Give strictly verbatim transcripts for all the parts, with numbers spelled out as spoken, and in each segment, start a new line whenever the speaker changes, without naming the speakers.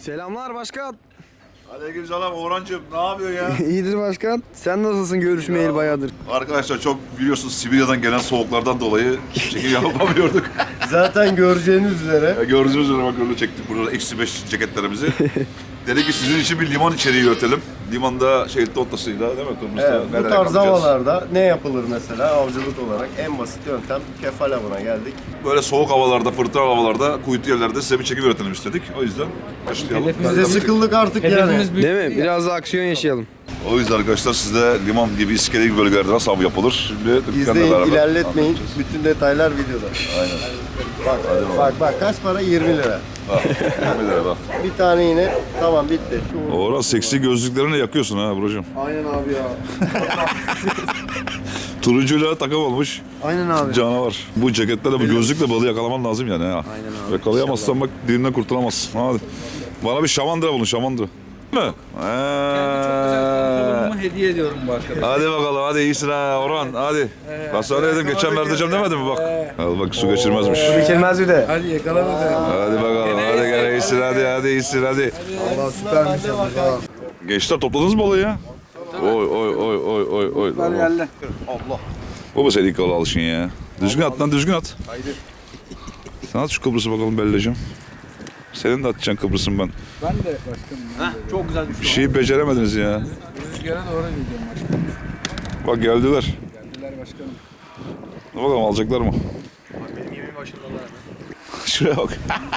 Selamlar başkan.
Aleykümselam Orhancığım, ne yapıyorsun ya?
İyidir başkan. Sen nasılsın, görüşmeyeli bayağıdır.
Arkadaşlar çok biliyorsunuz Sibirya'dan gelen soğuklardan dolayı çekim yapamıyorduk.
Zaten göreceğiniz üzere.
Ya gördüğünüz üzere bak öyle çektik burada eksi beş ceketlerimizi. Dedik ki sizin için bir liman içeriği üretelim. Limanda şehit noktasıyla değil mi? Kırmızıda
Evet, bu
nerelere
tarz
kalacağız?
havalarda ne yapılır mesela avcılık olarak? En basit yöntem kefal avına geldik.
Böyle soğuk havalarda, fırtına havalarda, kuytu yerlerde size bir çekim üretelim istedik. O yüzden başlayalım.
Biz de sıkıldık artık yani.
Hedefimiz büyük.
Değil mi? Biraz da aksiyon yaşayalım.
O yüzden arkadaşlar sizde liman gibi iskele gibi bölgelerde nasıl av yapılır? Şimdi Türkan'la
İzleyin,
beraber
ilerletmeyin.
anlatacağız.
Bütün detaylar videoda.
Aynen.
Bak, bak, bak kaç para? yirmi lira.
Bak, yirmi lira bak.
Bir tane yine tamam bitti.
Orhan seksi gözlüklerini yakıyorsun ha Buracığım.
Aynen abi ya.
Turuncuyla takım olmuş.
Aynen abi.
Canavar. Bu ceketle de bu gözlükle balığı yakalaman lazım yani ha.
Aynen abi.
Yakalayamazsan bak dilinden kurtulamazsın. Hadi. Bana bir şamandıra bulun şamandıra. Değil mi?
Kolumu hediye ediyorum bu arkadaşa.
Hadi bakalım hadi iyisin ha Orhan hadi. Ben sana dedim geçen vereceğim demedim mi bak. Al bak su geçirmezmiş.
Geçilmez bir de.
Hadi yakala bakalım.
Hadi bakalım hadi gel iyisin hadi hadi iyisin hadi.
Allah süpermiş ya.
Gençler topladınız mı balığı ya? Oy oy oy oy oy oy.
Geldi.
Bu mu senin ilk balığı alışın ya? Düzgün at lan düzgün at.
Haydi.
Sen at şu Kıbrıs'ı bakalım Belleciğim. Senin de atacaksın Kıbrıs'ın ben.
Ben de başkanım. Ben de.
Çok güzel düştü.
Bir şeyi beceremediniz ya.
Rüzgara doğru gidiyorum başkanım.
Bak geldiler.
Geldiler başkanım.
Ne bakalım alacaklar mı?
Benim yemeğim başladılar hemen.
Şuraya bak.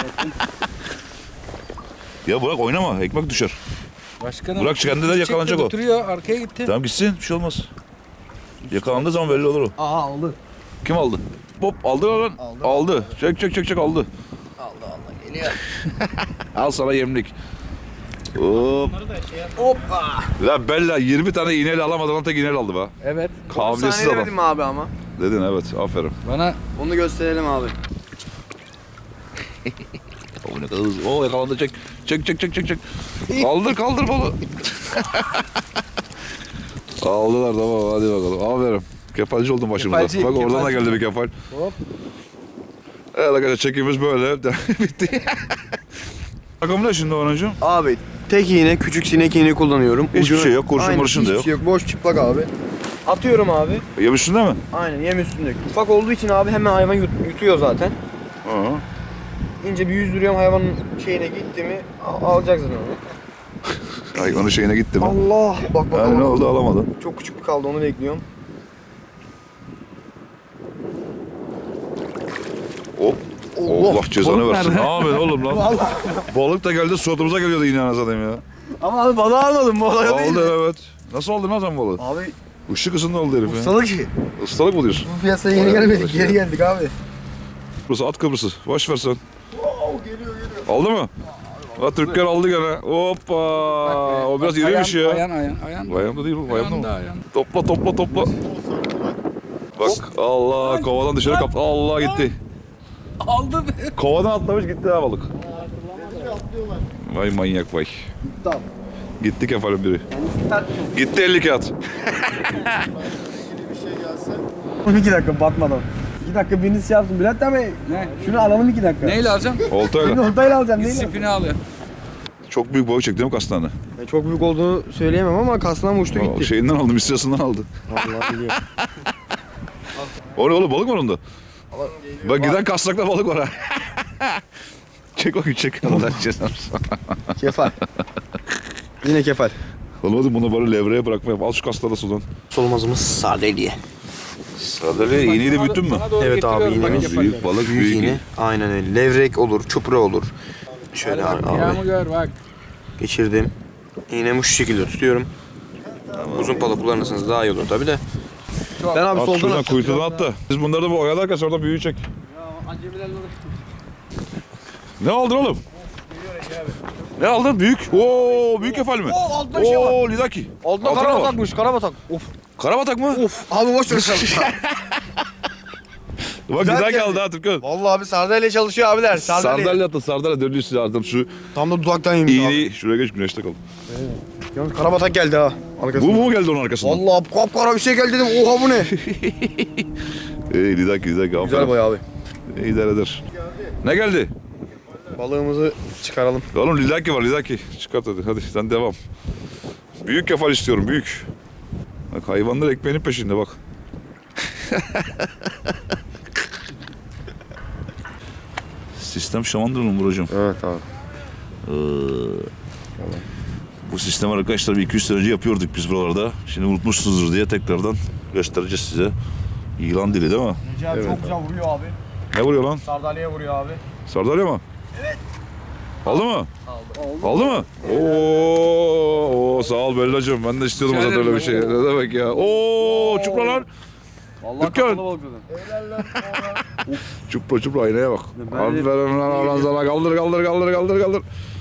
Ya bırak oynama ekmek düşer.
Başkanım.
Bırak kendinden yakalanacak o.
Oturuyor arkaya gitti.
Tamam gitsin bir şey olmaz. Yakalandığı zaman belli olur o.
Aa aldı.
Kim aldı? Hop aldı lan.
Aldı.
Aldı. Çek çek çek çek aldı.
Aldı aldı. Geliyor.
Al sana yemlik. Hop.
Hoppa.
Lan Bella yirmi tane iğneyle alamadı lan tek iğneyle aldı be.
Evet.
Kabiliyetsiz
Saniye
adam.
demedim mi abi ama?
Dedin evet aferin.
Bana
Onu gösterelim abi.
O ne kadar hızlı. Oo yakalandı çek. Çek çek çek çek çek. Kaldır kaldır balı. Aldılar tamam hadi bakalım. Aferin. Kefalci oldun başımıza.
Kefalci,
Bak oradan da
kefalci.
geldi bir kefal.
Hop.
Evet arkadaşlar çekimimiz böyle. Bitti. Takım ne şimdi Orhancığım?
Abi tek iğne, küçük sinek iğne kullanıyorum.
Hiçbir şey yok, kurşun
Aynen,
murşun da
hiçbir
yok.
şey yok. Boş çıplak abi. Atıyorum abi.
Yem üstünde mi?
Aynen yem üstünde. Ufak olduğu için abi hemen hayvan yut- yutuyor zaten.
Hı.
İnce bir yüzdürüyorum hayvanın şeyine gitti mi al- alacak zaten onu.
Ay onun şeyine gitti mi?
Allah! Bak bak.
Ha, ne
bak.
oldu alamadın.
Çok küçük bir kaldı onu bekliyorum.
Hop. Allah cezanı
balık
versin.
nerede?
Ne yapıyorsun oğlum lan? Balık da geldi suratımıza geliyordu yine anasını ya.
Ama abi balığı almadım bu olay değil.
Aldı evet. Nasıl aldın lan sen balığı?
Abi
Işık ısında oldu herif ya.
ustalık ki.
Istalık mı diyorsun?
Bu piyasaya yeni gelmedik geri geldik abi.
Kıbrıs at Kıbrıs'ı. Boş ver sen. Aldı mı? Ha Türkler aldı gene. Hoppa. O biraz iriymiş ya.
Ayan ayan ayan.
Bayanda değil mi? Bayanda
Ayağında,
mı?
ayağında.
Topla topla topla. Bak Allah kovadan dışarı kaptı. Allah gitti.
Aldı be.
Kovadan atlamış gitti ha balık. Vay manyak vay.
Tamam.
Gitti kefalin biri. Gitti elli kağıt.
iki dakika batmadan. iki dakika birini şey yaptım Bülent abi.
Ne?
Şunu alalım iki dakika.
Neyle alacağım?
Oltayla.
Oltayla alacağım neyle?
Sipini alıyor.
Çok büyük balık çekti değil mi kastanı?
Ya çok büyük olduğunu söyleyemem ama kasından uçtu
O
gitti.
şeyinden aldı, misyasından aldı.
Allah biliyor.
O ne oğlum balık var onda? Bak giden kasnakta balık var ha. Çek bakayım çek. Allah cezanı.
Kefal. Yine kefal.
Olmadı bunu böyle levreye bırakmayayım. Al şu kasları da sudan.
Solmazımız sardalya.
Sadece iğneyi de büyüttün mü?
Sana doğru
Evet abi,
getiriyorum, bak
iğnemiz
yapar
Büyük
ya.
balık
Büyük
büyük.
iğne. Aynen öyle. Levrek olur, çupra olur. Şöyle
Hadi
abi,
bak, ayağımı
abi.
gör bak.
Geçirdim. İğnemi şu şekilde tutuyorum. Uzun pala kullanırsanız daha iyi olur tabi de. Ben abi
At
soldan
şuradan
at.
kuytudan at da. Biz bunları da bu oyalarken sonra büyüğü çek. Ne aldın oğlum? Ne aldın? Büyük. Oo, büyük kefal mi?
Oo, altında bir şey var.
Oo, lidaki.
Altında
Altına var.
karabatakmış, karabatak. Of.
Karabatak mı?
Of. Abi boş ver sen.
Bak
Güzel
lidaki
geldi.
aldı ha Türkan.
Vallahi abi sardalya çalışıyor abiler. Sardalya.
Sardalya atın, sardalya dönüyor size artık şu
Tam da dudaktan yemiş abi.
iğneyi. Şuraya geç güneşte kal.
Yalnız karabatak geldi ha.
Bu
Arkasında.
mu geldi onun arkasından?
Vallahi kapkara bir şey geldi dedim. Oha bu ne?
Ey lidaki lidaki.
Güzel boy abi.
İyi idare eder. Ne geldi?
Balığımızı çıkaralım.
Oğlum lidaki var lidaki. Çıkart hadi. Hadi sen devam. Büyük kefal istiyorum büyük. Bak hayvanlar ekmeğinin peşinde bak. Sistem Şamandıralı mı Buracığım?
Evet abi.
Ee, bu sistem arkadaşlar bir iki yüz sene önce yapıyorduk biz buralarda. Şimdi unutmuşsunuzdur diye tekrardan göstereceğiz size. İlan dili değil mi?
Recep abi çok güzel vuruyor abi.
Ne vuruyor lan?
Sardalya'ya vuruyor abi.
Sardalya mı? Evet. Aldı mı? Aldı. Aldı mı? Oo, oo sağ ol Bellacığım. Ben de istiyordum zaten öyle bir şey. Ne demek ya? Oo, çupra lan.
Vallahi
Dükkan.
kapalı balık dedim.
Çupra çupra aynaya bak. Aferin lan Orhan sana. Kaldır kaldır kaldır kaldır kaldır.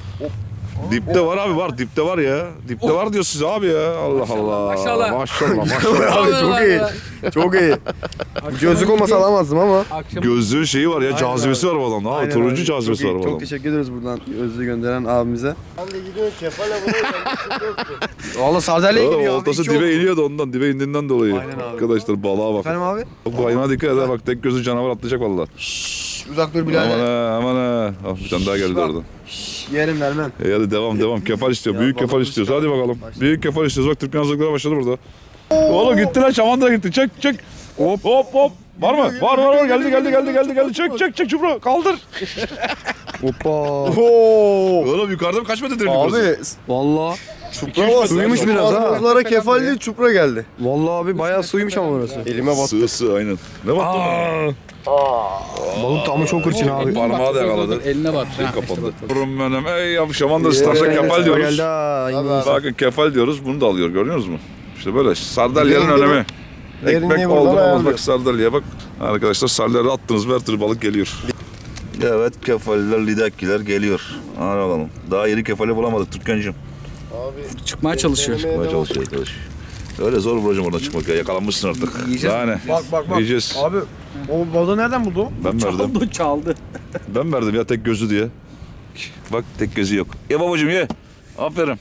Dipte var abi var. Dipte var ya. Dipte var diyor size abi ya. Allah Allah.
maşallah.
Maşallah maşallah.
Abi çok iyi. Çok iyi. Bu gözlük olmasa alamazdım ama.
Akşam
Gözlüğün şeyi var ya. Cazibesi var bu adamda. Abi, turuncu cazibesi
çok
var
iyi.
bu
Çok
adamda.
teşekkür ederiz buradan gözlüğü gönderen abimize. Ben de gidiyor kefale vuruyor. Valla sardalya'ya
Oğlum,
gidiyor abi.
oltası
İki
dibe
oldu.
iniyordu ondan. Dibe indiğinden dolayı.
Aynen abi.
Arkadaşlar balığa bak.
Efendim abi?
Bu hayvana dikkat eder bak. Tek gözü canavar atlayacak valla.
Uzak dur
Aman
birader.
ha aman ha. Ah, bir tane daha geldi oradan.
Yerim vermem.
E hadi devam devam. Kefal istiyor.
Ya,
Büyük kefal
balığımız
istiyoruz.
çıkar.
Hadi bakalım.
Başla.
Büyük kefal istiyoruz. Bak Türkmen hazırlıkları başladı burada. Oğlum gitti lan. Şamandıra gitti. Çek çek. Hop hop hop. Var mı? Var var var. Geldi geldi geldi geldi geldi. Çek çek çek çupra. Kaldır.
Hoppa. Oo.
Oğlum yukarıda mı kaç metre derinlik burası?
Abi
Vallahi.
çupra var. Suymuş biraz ha. Buzlara kefal değil çupra geldi.
Vallahi abi bayağı suymuş ama burası.
Elime battı.
Sığ sığ aynen. Ne baktın mı?
Balık tamı çok hırçın abi.
Parmağı da yakaladı.
eline bak.
Şey kapandı. Durum benim. Ey ya Şamandıra starsa kefal diyoruz.
Geldi ha. İngiliz.
Bakın kefal diyoruz. Bunu da alıyor. Görüyor musunuz? İşte böyle. Sardalyanın
Derinliği-
önemi.
derinliği
Ekmek
buradan
oldu mu olmaz
ayarlıyor.
bak sardalya bak. Arkadaşlar sardalya attınız mı her türlü balık geliyor. Evet kefaliler lidakiler geliyor. Hadi bakalım. Daha yeni kefali bulamadık Türkan'cığım.
Çıkmaya çalışıyor.
Çıkmaya çalışıyor arkadaş. Öyle zor Buracığım oradan çıkmak ya. Yakalanmışsın artık.
Yiyeceğiz.
Daha ne?
Bak bak bak.
Yiyeceğiz.
Abi o balığı nereden buldu?
Ben verdim.
Çaldı çaldı.
Ben verdim ya tek gözü diye. Bak tek gözü yok. Ye babacığım ye. Aferin.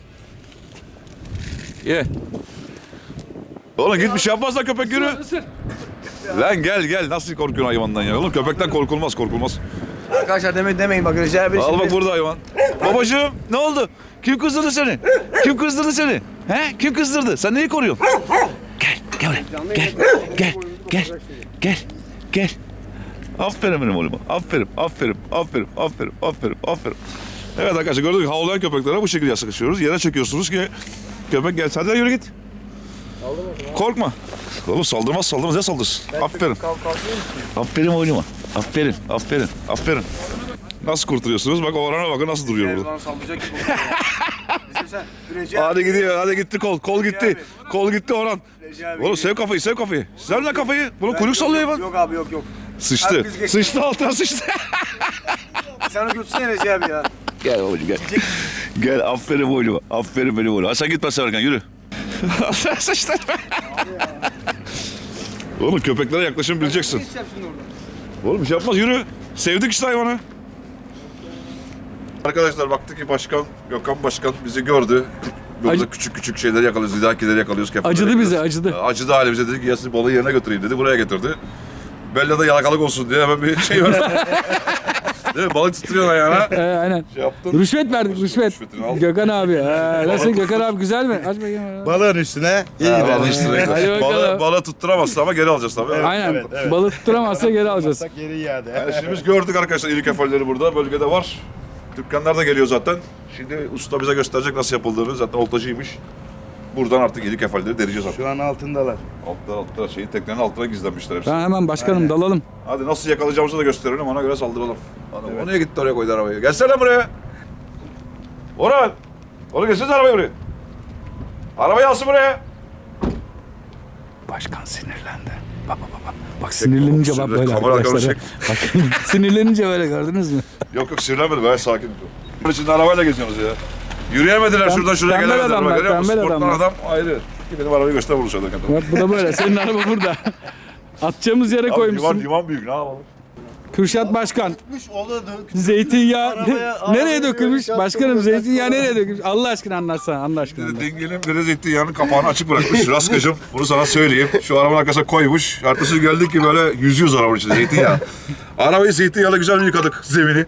Ye. Oğlum git bir şey yapmazsan köpek yürü. Lan gel gel nasıl korkuyorsun hayvandan ya? Oğlum köpekten korkulmaz korkulmaz.
Arkadaşlar deme, demeyin bak Recep abi.
Al bak burada hayvan. Babacığım ne oldu? Kim kızdırdı seni? Kim kızdırdı seni? He? Kim kızdırdı? Sen neyi koruyorsun? Gel, gel buraya. Gel, gel, gel, gel, gel. Aferin benim oğluma. Aferin, aferin, aferin, aferin, aferin, aferin. Evet arkadaşlar gördük mü? Havlayan köpeklere bu şekilde sıkışıyoruz. Yere çekiyorsunuz ki köpek gel. Hadi yürü git. Korkma. Oğlum saldırmaz saldırmaz ya saldırsın. Aferin. Aferin oğluma. Aferin, aferin, aferin. Nasıl kurtuluyorsunuz? Bak Orhan'a bakın nasıl duruyor burada.
Bana saldıracak gibi oluyor. Bizim sen Recep abi.
Hadi gidiyor, hadi gitti kol. Kol gitti. Kol gitti Orhan.
Recep abi.
Oğlum sev kafayı, sev kafayı. Sev lan kafayı. Bunu kuyruk sallıyor hayvan.
Yok abi yok yok.
Sıçtı.
Herkes geçti.
Sıçtı altına sıçtı.
Sen o götürsene Recep abi ya.
Gel babacığım gel. Gel aferin oğluma. Aferin benim oğlum. Ha sen gitme Serkan yürü. Sen sıçtı. Oğlum köpeklere yaklaşım bileceksin. Oğlum bir şey yapmaz yürü. Sevdik işte hayvanı. Arkadaşlar baktık ki başkan, Gökhan Başkan bizi gördü. Burada
Acı-
küçük küçük şeyleri yakalıyoruz, lidakileri yakalıyoruz. kefalleri
Acıdı bize,
yakalıyoruz.
acıdı.
Acıdı halimize dedik ki ya siz balığı yerine götüreyim dedi. Buraya getirdi. Bella da yalakalık olsun diye hemen bir şey verdi. Değil mi? Balık tutuyorsun ayağına.
Ee, aynen.
Şey yaptın.
Rüşvet verdik rüşvet.
Rüşvetini al.
Gökhan abi. Ee, nasıl Gökhan abi güzel mi? Aç bakayım.
Balığın üstüne iyi
Ha,
gider.
balığı üstüne
Hadi
gider.
bakalım.
Balığı, balığı tutturamazsın ama geri alacağız tabii.
Aynen.
evet, evet.
Balık tutturamazsa geri alacağız.
Geri iade.
Yani şimdi biz gördük arkadaşlar iri kefalleri burada. Bölgede var. Dükkanlar da geliyor zaten. Şimdi usta bize gösterecek nasıl yapıldığını. Zaten oltacıymış. Buradan artık iri kefalleri dereceğiz artık.
Şu an altındalar.
Altlar altlar şeyi teknenin altına gizlenmişler hepsi.
Ben hemen başkanım dalalım.
Hadi nasıl yakalayacağımızı da gösterelim ona göre saldıralım. Adam o niye gitti oraya koydu arabayı? Gelsene buraya. Orhan. Oğlum gelsene arabayı buraya. Arabayı alsın buraya.
Başkan sinirlendi. Bak bak bak. Bak sinirlenince bak
Sinirlen-
böyle
kamera
arkadaşlar.
arkadaşı.
Bak, sinirlenince böyle gördünüz mü?
Yok yok sinirlenmedim gayet sakin. Bunun içinde arabayla geziyorsunuz ya. Yürüyemediler
Pem-
şuradan şuraya
tembel
gelemediler.
adamlar,
Bak, görüyor musun?
tembel
Sportman
adamlar.
adam ayrı. Ki benim arabayı göster vuruşa da kadar.
Bak bu da böyle. Senin araba burada. Atacağımız yere
Abi liman,
koymuşsun.
liman büyük ne yapalım?
Kürşat Başkan.
Gitmiş o da dön.
Zeytinyağı
Arabaya-
nereye
arabaya
dökülmüş?
böyle
Başkanım
yaptım,
zeytinyağı
böyle
nereye dökülmüş? Allah aşkına anlatsana. Allah aşkına. anlat.
Dengenin biri zeytinyağının kapağını açık bırakmış. Raskacım bunu sana söyleyeyim. Şu arabanın arkasına koymuş. Ertesi gün geldik ki böyle yüzüyoruz arabanın içinde zeytinyağı. Arabayı zeytinyağıyla güzel bir yıkadık zemini.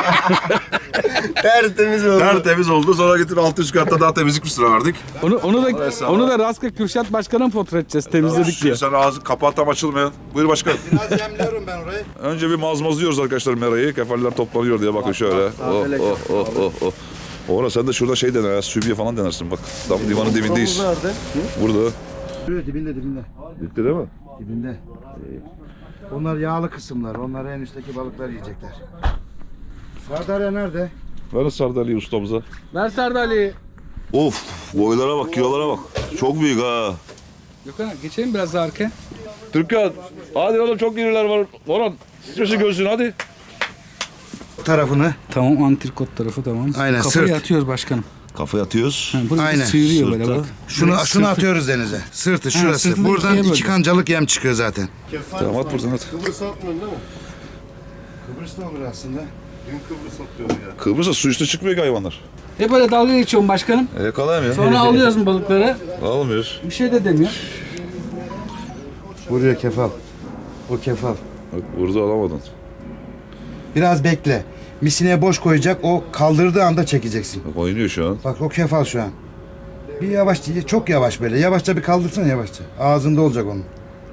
Tertemiz oldu.
Tertemiz oldu. Sonra getir altı üst katta daha temizlik bir sıra verdik.
Onu onu da onu da Raska Kürşat Başkan'a fotoğraf edeceğiz temizledik diye.
Sen ağzı kapağı tam açılmayan. Buyur başkan.
Biraz yemliyorum ben orayı.
Önce bir mazmazlıyoruz arkadaşlar merayı. Kefaller toplanıyor diye bakın şöyle. Oh oh oh oh oh. Oğlum sen de şurada şey dene ya, sübye falan denersin bak. Tam limanın dibindeyiz.
Nerede?
Burada.
Dibinde dibinde dibinde.
Bitti değil mi?
Dibinde. Onlar yağlı kısımlar. Onlar en üstteki balıklar yiyecekler. Sardalya nerede?
Ver sardalya ustamıza.
Ver Sardalya.
Of, boylara bak, kilolara bak. Çok büyük ha.
Gökhan geçelim biraz daha arkaya.
Türkan, hadi oğlum çok iriler var. Orhan, sıçrası görsün hadi.
Tarafını.
Tamam antrikot tarafı tamam.
Aynen,
Kafayı
sırt.
atıyoruz başkanım.
Kafaya atıyoruz.
Ha, burası
Aynen.
sıyırıyor böyle
Sırtta.
bak.
Şunu
Burası
şunu
sırtı-
atıyoruz denize. Sırtı şurası.
sırtını
Buradan
ikiye
iki
böldüm.
kancalık yem çıkıyor zaten.
Tamam at buradan at.
Kıbrıs atmıyorsun değil mi? Kıbrıs'ta olur aslında. Dün Kıbrıs atıyor ya.
Kıbrıs'a su üstü çıkmıyor ki hayvanlar.
Hep böyle dalga geçiyorum başkanım.
E yakalayamıyor.
Sonra alıyoruz mu balıkları?
Almıyoruz.
Bir şey de demiyor.
Buraya kefal. O kefal.
Bak burada alamadın.
Biraz bekle. Misineye boş koyacak. O kaldırdığı anda çekeceksin.
Bak oynuyor şu an.
Bak o kefal şu an. Bir yavaş, çok yavaş böyle. Yavaşça bir kaldırsana yavaşça. Ağzında olacak onun.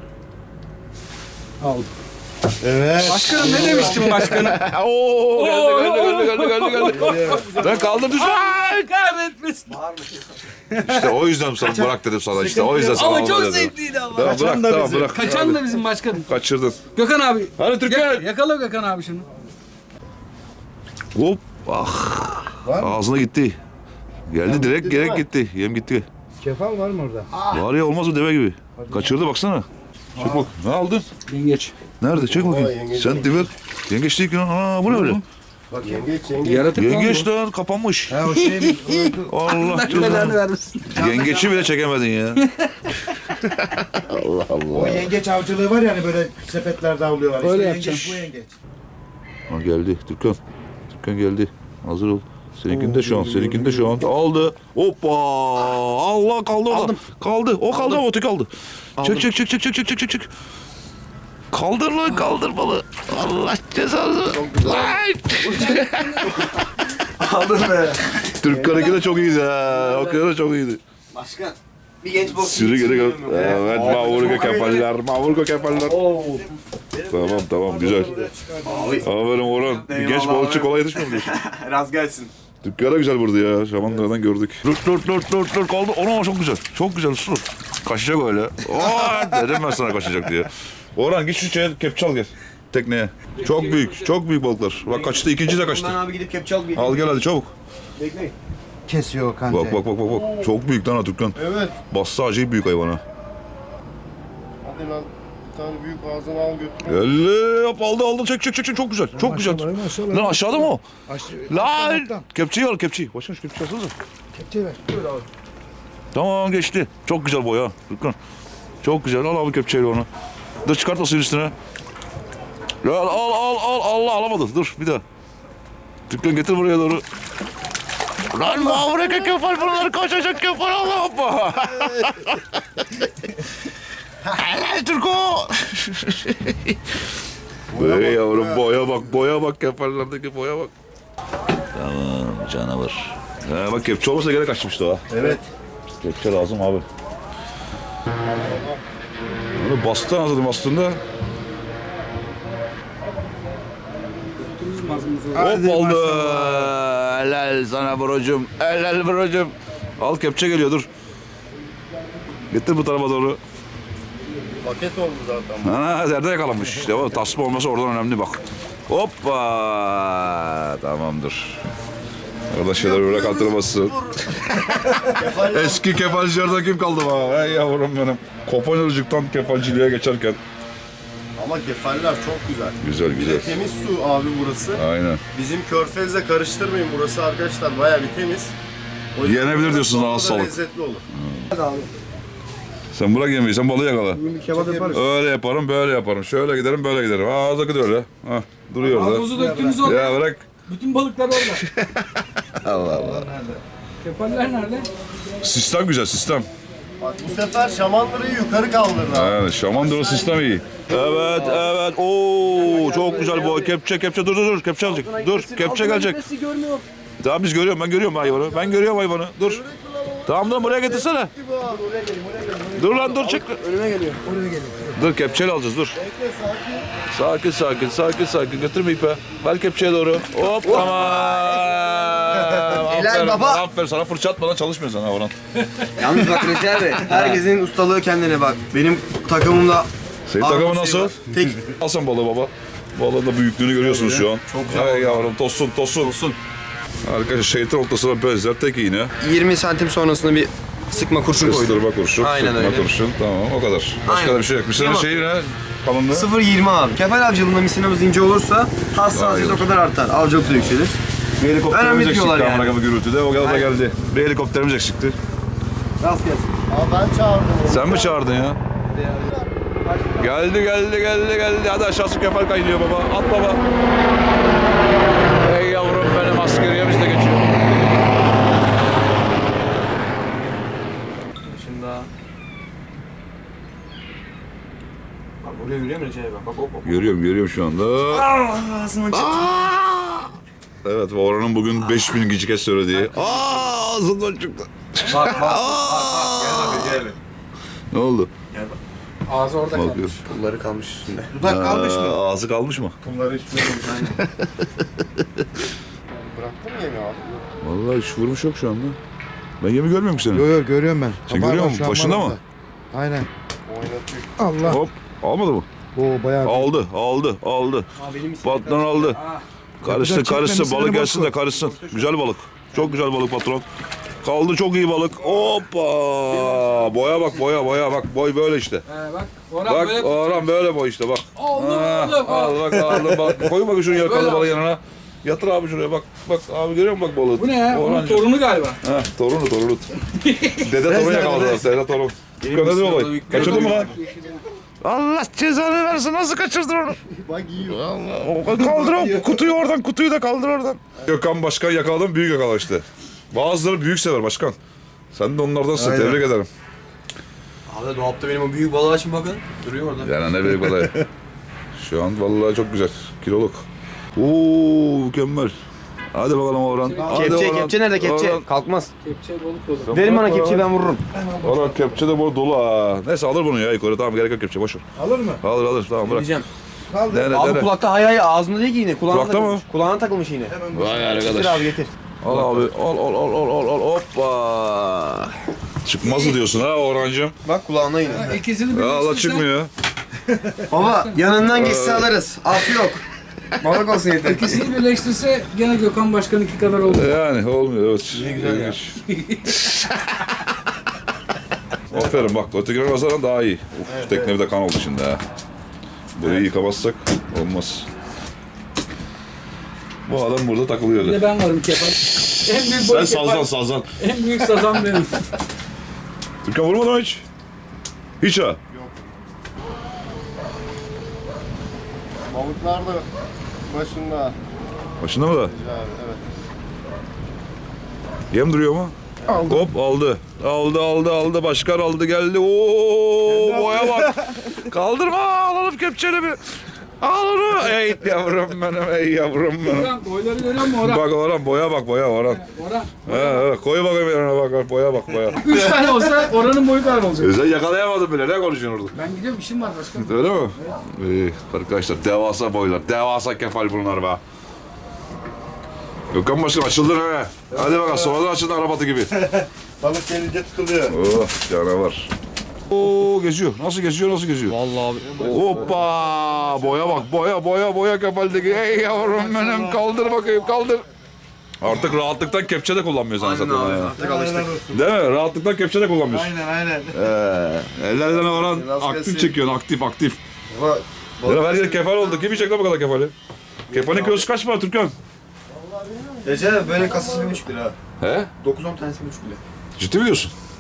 Aldım.
Evet.
Başkanım ne demiştim başkanım?
Oo, geldi geldi geldi geldi geldi geldi. Ben kaldım düştüm.
Ay kahretmesin.
İşte o yüzden sana bırak dedim sana işte. O yüzden sana
Ama
alma
çok
dedim.
zevkliydi ama.
Tamam bırak tamam bırak.
Kaçan da bizim başkanım.
Kaçırdın.
Gökhan abi.
Hadi Türkan.
yak- yakala Gökhan abi şunu.
Hop. Ah. Ağzına gitti. Geldi direkt gerek gitti. Yem gitti.
Kefal var mı orada?
Var ya olmaz mı deve gibi. Kaçırdı baksana. Çek bak. Ne aldın?
Yengeç.
Nerede? Çek bakayım. Sen diver. Yengeç değil ki lan. Aa bu ne öyle?
Bak yengeç yengeç.
Yaratık
Yengeç lan kapanmış.
Ha o şey mi?
Allah
Allah
canına.
belanı vermesin.
Yengeçi bile çekemedin ya.
O yengeç avcılığı var yani böyle sepetlerde avlıyorlar.
Öyle
İşte
yapacağım.
yengeç bu yengeç.
Ha geldi. Türkan. Türkan geldi. Hazır ol. Seninkinde şu an. Seninkinde şu an. Aldı. Hoppa. Allah kaldı orada.
Aldım.
Kaldı. O kaldı ama o tek aldı. Çek çek çek çek çek çek çek çek çek. Kaldır lan kaldır balı. Allah cezanı. Lan.
Aldın be.
Türkkan'ınki de çok iyiydi ha. O kadar da çok iyiydi.
Başkan. Bir genç bok.
Sürü geri gel. Evet mavurga kefaller. Mavurga kefaller.
Oo.
Tamam tamam güzel. Aferin Orhan. Bir genç balıkçı kolay yetişmiyor mu diyorsun?
Raz gelsin.
Dükkana güzel vurdu ya. Şamandıradan gördük. Dur dur dur dur dur kaldı. Ona çok güzel. Çok güzel dur. Kaçacak öyle. Aa, dedim ben sana kaçacak diye. Orhan git şu şeye kepçe al gel. Tekneye. Çok büyük. Çok büyük balıklar. Bak kaçtı. İkinci de kaçtı.
Ben abi gidip kepçe al bir.
Al gel hadi çabuk.
Bekleyin.
Kesiyor o kancayı.
Bak bak bak bak. bak. Çok büyük lan ha Türkan.
Evet.
Bassa acayip büyük hayvana.
Hadi lan. Bir tane büyük ağzına al götür.
Elle yap aldı aldı çek çek çek çek. Çok güzel. Çok güzel. Lan aşağıda mı o? Lan. Kepçeyi al kepçeyi. Başına şu kepçeyi alsanıza.
Kepçeyi ver.
Tamam geçti. Çok güzel boya. Türkan. Çok güzel. Al abi kepçeyle onu. Dur çıkart o suyun üstüne. Ya al al al Allah alamadı. Dur bir daha. Türkan getir buraya doğru. Lan mavreka kefal bunlar kaçacak kefal Allah hoppa. Helal Türko. Ey yavrum boya bak boya bak kefallerdeki boya bak. Tamam canavar. Ha, bak kepçe olmasa gene kaçmıştı o.
Evet.
Kepçe lazım abi. Bunu bastı anladım aslında. Hop oldu. Helal sana brocum. Helal brocum. Al kepçe geliyor dur. Getir bu tarafa doğru.
Paket oldu zaten.
Ha, nerede yakalanmış işte o tasma olması oradan önemli bak. Hoppa. Tamamdır. Orada şeyler böyle kaldırmasın. Eski kefalcilerden kim kaldı bana? Ey yavrum benim. Kopanırcıktan kefalciliğe geçerken.
Ama kefaller çok güzel.
Güzel güzel.
Temiz su abi burası.
Aynen.
Bizim körfezle karıştırmayın. Burası arkadaşlar bayağı bir temiz. O yüzden
Yenebilir diyorsun,
çok
ağız
da
sağlık.
lezzetli olur.
Sen bırak yemeği, sen balığı yakala.
Bir kebap yaparız.
Öyle yaparım, böyle yaparım. Şöyle giderim, böyle giderim. Ağzaki de öyle. Ha. Duruyor orada.
Gazozu döktünüz orada.
Ya bırak.
Bütün balıklar orada.
Allah Allah.
Kefaller nerede?
Sistem güzel sistem.
Bak bu sefer şamanları yukarı kaldırdı.
Evet, Şamandıra sistem iyi. Evet, evet. Oo, çok güzel bu. Kepçe, kepçe. Dur, dur, dur. Kepçe alacak. Dur, kepçe gelecek. Tamam biz görüyorum. Ben görüyorum hayvanı. Ben görüyorum hayvanı. Dur. Tamam lan buraya getirsene. Dur lan dur çık.
Önüme geliyor.
Dur kepçeyle alacağız dur. Sakin sakin sakin sakin götürme ipe. Ver kepçeye doğru. Hop tamam.
Helal
Aferin,
baba.
Aferin sana fırça atmadan çalışmıyor sana Orhan.
Yalnız bak Recep abi, herkesin ustalığı kendine bak. Benim takımımda...
Senin
Armut
takımın
şey
nasıl?
var. Tek.
Al sen balığı baba. Balığın da büyüklüğünü görüyorsunuz şu an. Çok güzel. Hey yavrum tosun tosun. Tosun. Arkadaşlar şeytan ortasına benzer tek iğne.
yirmi santim sonrasında bir sıkma kurşun koydum.
Kıstırma kurşun,
Aynen
sıkma
öyle.
kurşun. Tamam o kadar. Başka
Aynen.
da bir şey yok. Bir senin
Tamam.
şeyi ne? Kalınlığı?
sıfır yirmi abi. Kefal avcılığında misinamız ince olursa hassasiyet o kadar artar. Avcılık da yükselir.
Bir helikopterimiz
Önemli
eksikti
diyorlar
amına
yani.
kadar gürültüde. O kadar da
Aynen.
geldi. Bir helikopterimiz eksikti.
Rast gelsin.
Aa ben çağırdım onu.
Sen mi çağırdın ya? Geldi geldi geldi geldi. Hadi aşağısı kefal kaynıyor baba. At baba. Ey yavrum benim askeriyemiz de geçiyor.
Şimdi daha. Bak oraya yürüyor mu Recep abi? Bak hop hop.
Görüyorum görüyorum şu anda.
Ağzını çıktı.
Evet Orhan'ın bugün beş bin kez söylediği. Aa ağzından çıktı.
Bak bak bak bak. Gel bak Recep abi.
Ne oldu?
Ağzı orada kalmış.
Bakıyor.
Pulları kalmış üstünde.
Dudak kalmış mı?
Aa, ağzı kalmış mı?
Bunları üstüne koymuş. Bıraktın mı yemi abi?
Vallahi hiç vurmuş yok şu anda. Ben yemi görmüyorum ki seni.
Yo yo görüyorum ben.
Sen
Var,
görüyor
var,
musun?
şu an
Başında
var
mı?
orada. Aynen. Allah.
Hop. Almadı mı?
O bayağı.
Aldı, aldı, aldı. Patron aldı. Karışsın,
Yapacak
karışsın.
çekmemesi
Balık
de
gelsin
boku.
de karışsın. Güzel balık. Çok güzel balık patron. Kaldı çok iyi balık. Hoppa. Boya bak, boya, boya bak. Boy böyle işte.
He bak. Orhan
Bak
böyle
Orhan böyle boy işte bak.
Aldım,
Ha,
aldım,
al bak aldım bak. Koy bak şunu yakalı
Böyle
balığı yanına. Yatır abi şuraya bak. Bak abi görüyor musun bak balığı?
Bu ne ya? Onun
Orhancığım.
torunu galiba.
Ha, torunu torunu. Dede torun yakaladılar. Dede torun. Dede de olay. Kaçırdın mı lan? Allah cezanı versin. Nasıl kaçırdın onu?
Bak yiyor.
Kaldır o kutuyu oradan. Kutuyu da kaldır oradan. Gökhan Başkan yakaladım. Büyük yakala işte. Bazıları büyük sever başkan. Sen de onlardansın.
Aynen.
Tebrik ederim.
Abi dolapta benim o büyük balığı açın bakın. Duruyor orada.
Yani ne büyük balığı. Şu an vallahi çok güzel. Kiloluk. Oo mükemmel. Hadi bakalım Orhan. Hadi
Kepçe,
Orhan.
kepçe nerede kepçe?
Orhan.
Kalkmaz.
Kepçe balık dolu.
Verin bana kepçeyi ben vururum.
Orhan kepçe de bu dolu ha. Neyse alır bunu ya yukarı. Tamam gerek yok kepçe boş ver.
Alır mı?
Alır alır tamam bırak.
Diyeceğim.
Dene
Abi
dene.
kulakta hay hay ağzında değil ki yine. Kulağına
Kulakta mı?
takılmış. Kulağına takılmış yine.
Vay
Getir
arkadaş.
abi getir.
Al abi al al al al al al hoppa. Çıkmaz mı diyorsun ha Orhancığım?
Bak kulağına yine.
İkisini
Ya Allah
birleştirsen
çıkmıyor.
Baba yanından geçse alırız. Af yok. Balık olsun yeter.
İkisini birleştirse gene Gökhan Başkan'ınki kadar olur.
Yani olmuyor evet.
Ne güzel ya.
İlginç. Aferin bak ötekine nazaran daha iyi. Uf tekne bir de kan oldu şimdi ha. Burayı yıkamazsak olmaz. Bu adam burada
Bir
takılıyordu.
de ben varım kefal. En büyük
Sen
balık
sazan
kefal.
sazan.
En büyük sazan benim.
Türkan vurmadın mı hiç? Hiç ha.
Balıklar da başında.
Başında mı da?
Abi evet.
Yem duruyor mu? Aldı. Hop aldı. Aldı aldı aldı. Başkan aldı geldi. Oo boya bak. Kaldırma alalım kepçeli bir. Al onu. Ey yavrum benim ey yavrum benim.
Orhan boyları görüyor musun Orhan?
Bak Orhan boya bak boya Orhan.
Orhan.
He, he, koy bakayım yanına bak bak boya bak boya.
Üç tane olsa Orhan'ın boyu kadar olacak.
Sen yakalayamadın bile ne konuşuyorsun orada?
Ben gidiyorum işim var başkanım.
Öyle mi? İyi arkadaşlar devasa boylar. Devasa kefal bunlar be. Gökhan Başkan açıldın he. Hadi bakalım sonradan açıldın Arabatı gibi.
Balık gelince tutuluyor.
Oh canavar. Oo geziyor. Nasıl geziyor? Nasıl geziyor?
Vallahi abi.
Hoppa! Boya bak. Boya boya boya kefaldeki. Ey yavrum benim kaldır bakayım kaldır. Artık rahatlıktan kepçe de kullanmıyorsun
Aynen
zaten.
abi.
ya.
Artık alıştık.
Değil mi? Rahatlıktan kepçe de kullanmıyorsun.
Aynen aynen.
Ee, ellerden oran
Nasıl
aktif
gelsin?
çekiyorsun. Aktif aktif.
Baba,
Ya her yer kefal oldu. Kim yiyecek lan bu kadar kefali? Kefalin kilosu kaç para Türkan?
Recep abi böyle kasası bir buçuk lira.
He?
dokuz on tanesi bir buçuk lira.
Ciddi mi diyorsun?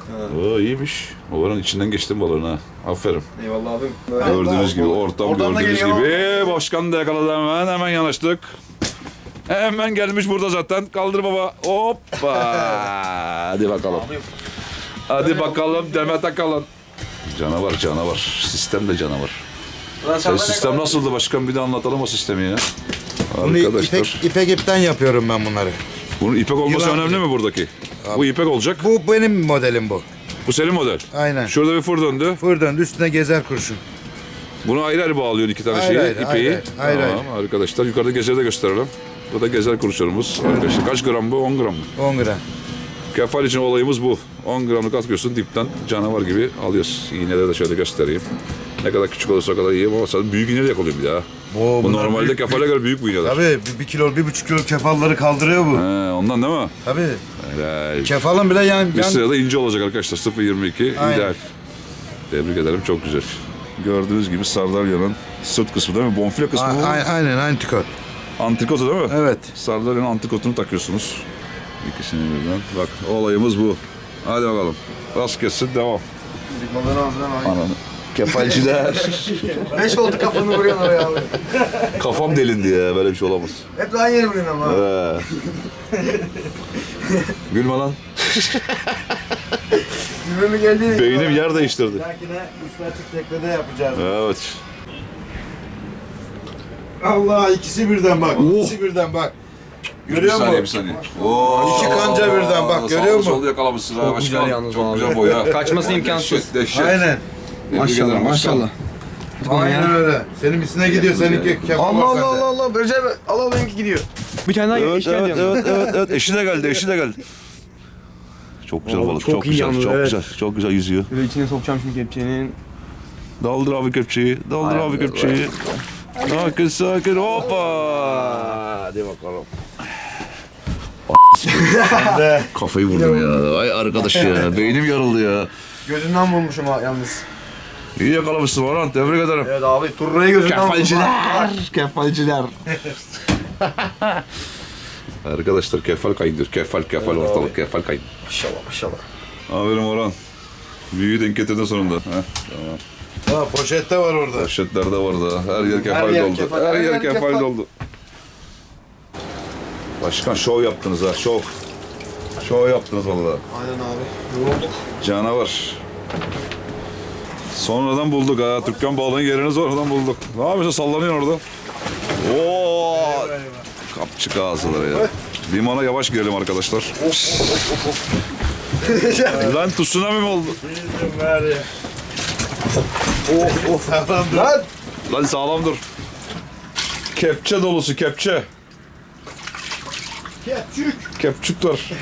Oo iyiymiş. Oranın içinden geçtim balığın ha. Aferin.
Eyvallah abim.
Gördüğünüz gibi ortam
Oradan da
gördüğünüz
geliyor.
gibi. Başkan da yakaladı hemen. Hemen yanaştık. Hemen gelmiş burada zaten. Kaldır baba. Hoppa. Hadi bakalım. Hadi bakalım Demet Akalın. Canavar canavar. Sistem de canavar. Sen sistem nasıldı başkan? Bir de anlatalım o sistemi ya.
Bunu
Arkadaşlar.
ipek, ipek ipten yapıyorum ben bunları.
Bunun ipek olması
Yılan
önemli
gibi.
mi buradaki? Bu ipek olacak.
Bu benim modelim bu.
Bu senin model.
Aynen.
Şurada bir fır döndü.
Fır döndü üstüne gezer kurşun.
Bunu ayrı ayrı bağlıyorsun iki tane
Ayrı
şeyi,
ayrı,
ipeği.
ayrı ayrı, ayrı
Tamam arkadaşlar yukarıda gezeri de gösterelim. Bu da gezer kurşunumuz arkadaşlar. Kaç gram bu? on gram mı?
on gram.
Kefal için olayımız bu. on gramlık atıyorsun dipten canavar gibi alıyoruz. İğneleri de şöyle göstereyim. Ne kadar küçük olursa o kadar iyi ama sen büyük iğneyle yakalıyor bir daha.
Oo,
Bu
bunlar
normalde
büyük.
kefale göre büyük bu iğneler.
Tabii bir, bir kilo, bir buçuk kilo kefalları kaldırıyor bu.
He, ondan değil mi?
Tabii.
Helal.
Kefalın bile yan...
Bir
yan...
sırada ince olacak arkadaşlar. sıfır virgül yirmi iki
Aynen.
ideal. Tebrik ederim çok güzel. Gördüğünüz gibi sardalya'nın sırt kısmı değil mi? Bonfile kısmı
A-
bu.
a- aynen antikot.
Antrikotu değil mi?
Evet.
Sardalya'nın antrikotunu takıyorsunuz. İkisini birden. Bak olayımız bu. Hadi bakalım. Rast kessin devam.
Balığın ağzına bak.
Ananı. Kefalciler.
Beş oldu kafanı vuruyorsun oraya abi.
Kafam delindi ya böyle bir şey olamaz.
Hep daha yeni vuruyorsun ama.
He. Gülme lan.
Güvemi geldi.
Beynim yer değiştirdi.
Belki de üstü açık teknede yapacağız.
Evet.
Allah ikisi birden bak. İkisi birden bak. Görüyor
bir saniye,
musun?
bir saniye. Oo.
İki kanca birden bak,
Sağlı
görüyor musun?
sollu yakalamışsın ha başkan.
güzel yalnız
Çok
abi.
güzel boy ha.
Kaçması imkansız.
Dehşet, dehşet.
Aynen.
Tebrik ederim başkan.
Aynen öyle. Senin misine gidiyor, seninki kefal
Allah
var
Allah
sende.
Allah Allah. Recep Allah Allah benimki gidiyor. Bir tane daha
Evet,
işkence
evet,
yapıyor.
evet, evet, evet. Eşi de geldi, eşi de geldi. Çok güzel
Vallahi
balık,
çok
çok,
iyi
güzel,
yalnız,
çok
evet.
güzel, çok güzel yüzüyor.
Böyle içine sokacağım şimdi kepçenin.
Daldır abi kepçeyi, daldır abi kepçeyi. Sakin sakin, hoppa. Hadi bakalım. Kafayı vurdum ya. Ay arkadaş ya, beynim yarıldı ya.
Gözünden vurmuşum ha yalnız.
İyi yakalamışsın Orhan, tebrik ederim.
Evet abi turnayı gözünden vurmuşum.
kefalciler. Arkadaşlar kefal kayındır, kefal kefal ortalık, kefal kayın.
Maşallah maşallah.
Aferin Orhan. Büyüğü denk getirdin sonunda. Heh, tamam.
Ha, poşette var orada.
Poşetler de var da. Her yer kefal
yer
doldu.
kefal,
her
her
yer
yer
kefal,
kefal.
doldu. Başkan şov yaptınız ha, şov. Şov yaptınız vallahi.
Aynen abi. Yorulduk.
Canavar. Sonradan bulduk ha. Türkan balığın yerini sonradan bulduk. Ne yapıyorsun? Sallanıyorsun orada. Oo! Kapçık ağzıları ya. Limana yavaş girelim arkadaşlar. Lan tsunami mi oldu?
Oh, sağlam dur.
Lan!
Lan sağlam dur. Kepçe dolusu kepçe.
Kepçük.
Kepçük var.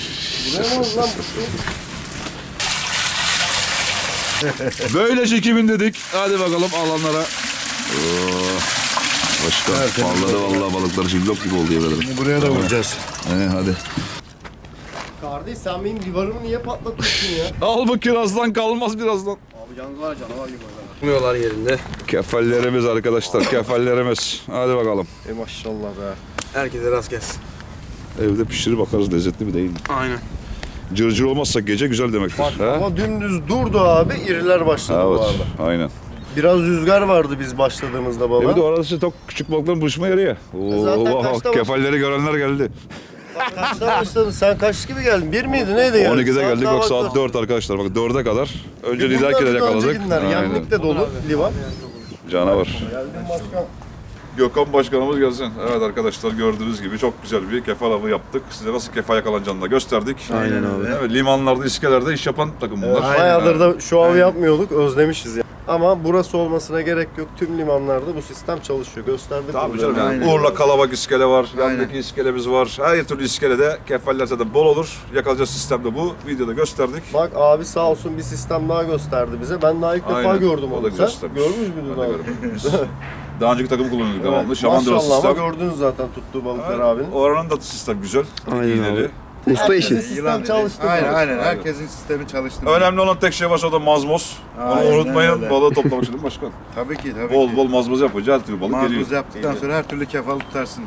Böylece kimin dedik. Hadi bakalım alanlara. Oo. Başkan parladı vallahi balıklar cillop gibi oldu yemin ederim.
Buraya da vuracağız.
He, hadi.
Kardeş sen benim livarımı niye patlatıyorsun ya?
Al bu kirazdan kalmaz birazdan.
Abi yalnız var ya canavar gibi oynar. Tutmuyorlar yerinde.
Kefallerimiz arkadaşlar kefallerimiz. Hadi bakalım.
E maşallah be. Herkese rast gelsin.
Evde pişirip bakarız lezzetli mi değil mi?
Aynen.
Cırcır olmazsa gece güzel demektir.
Bak
ha?
ama dümdüz durdu abi, iriler başladı bu
Evet,
arada.
aynen.
Biraz rüzgar vardı biz başladığımızda
E
baba.
bir de orası çok küçük balıkların buluşma yeri ya. Oo,
zaten
oh,
kaçta var?
kefalleri görenler geldi.
Bak kaçta başladın? Sen kaç gibi geldin? Bir miydi? Neydi yani?
on ikide
Saat
geldik
daha
bak saat
vakti.
dört arkadaşlar. Bak dörde kadar. Önce
Bunlar
liderkiler
da
yakaladık.
önce günler. Yemlik de dolu livan.
Canavar.
Geldim başkan.
Gökhan Başkanımız gelsin. Evet arkadaşlar gördüğünüz gibi çok güzel bir kefal avı yaptık. Size nasıl kefal yakalanacağını da gösterdik.
Aynen abi.
Evet, limanlarda, iskelerde iş yapan takım bunlar.
Bayağıdır da şu av yapmıyorduk, özlemişiz ya. Ama burası olmasına gerek yok. Tüm limanlarda bu sistem çalışıyor. Gösterdik.
Tabii
burada.
canım yani.
Aynen.
Urla Kalabak iskele var,
Aynen.
yandaki iskelemiz var. Her türlü iskelede kefaller zaten bol olur. Yakalayacağız sistem de bu. Videoda gösterdik.
Bak abi sağ olsun bir sistem daha gösterdi bize. Ben daha ilk defa
Aynen.
gördüm
O da
onu. Sen
göstermiş.
görmüş müydün
Ben de
abi?
görmüş. Daha önceki takım kullanıyorduk devamlı. Şamandıra
Maşallah ama
sistem.
gördünüz zaten tuttuğu balıklar
Evet,
abinin.
Oranın da sistem güzel.
Aynen
İğneli.
abi. Usta işi.
Sistem
Yılan
çalıştı.
Aynen
bu.
aynen. Herkesin sistemi çalıştı.
Önemli olan tek şey varsa o da mazmoz. Onu
Aynen
unutmayın.
öyle.
Balığı toplamak için değil mi başkan?
Tabii ki tabii
bol
ki.
bol mazmoz yapınca her türlü balık
Maruz
geliyor.
yaptıktan sonra her türlü kefalı tutarsınız.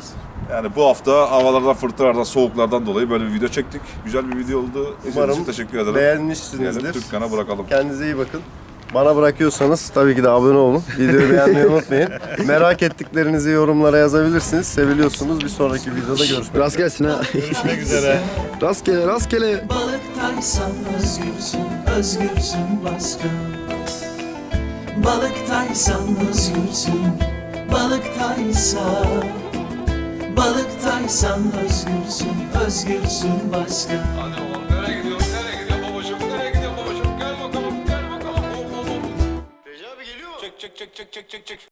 Yani bu hafta havalardan, fırtınalardan, soğuklardan dolayı böyle bir video çektik. Güzel bir video oldu. İzlediğiniz
Umarım
için teşekkür ederim.
beğenmişsinizdir.
Diyelim, Türkkan'a bırakalım.
Kendinize iyi bakın. Bana bırakıyorsanız tabii ki de abone olun. Videoyu beğenmeyi unutmayın. Merak ettiklerinizi yorumlara yazabilirsiniz. Seviliyorsunuz. Bir sonraki videoda görüşmek üzere.
Rast gelsin ha.
Görüşmek üzere.
Rastgele rastgele.
Balıktaysan özgürsün, özgürsün başka. Balıktaysan özgürsün, balıktaysan. Balıktaysan özgürsün, özgürsün başka.
Hadi oğlum nereye gidiyorsun? Nereye gidiyor babacığım? Nereye gidiyor babacığım? Gel bakalım, gel bakalım. Hop hop hop. Recep abi geliyor mu? Çek çek çek çek çek çek çek.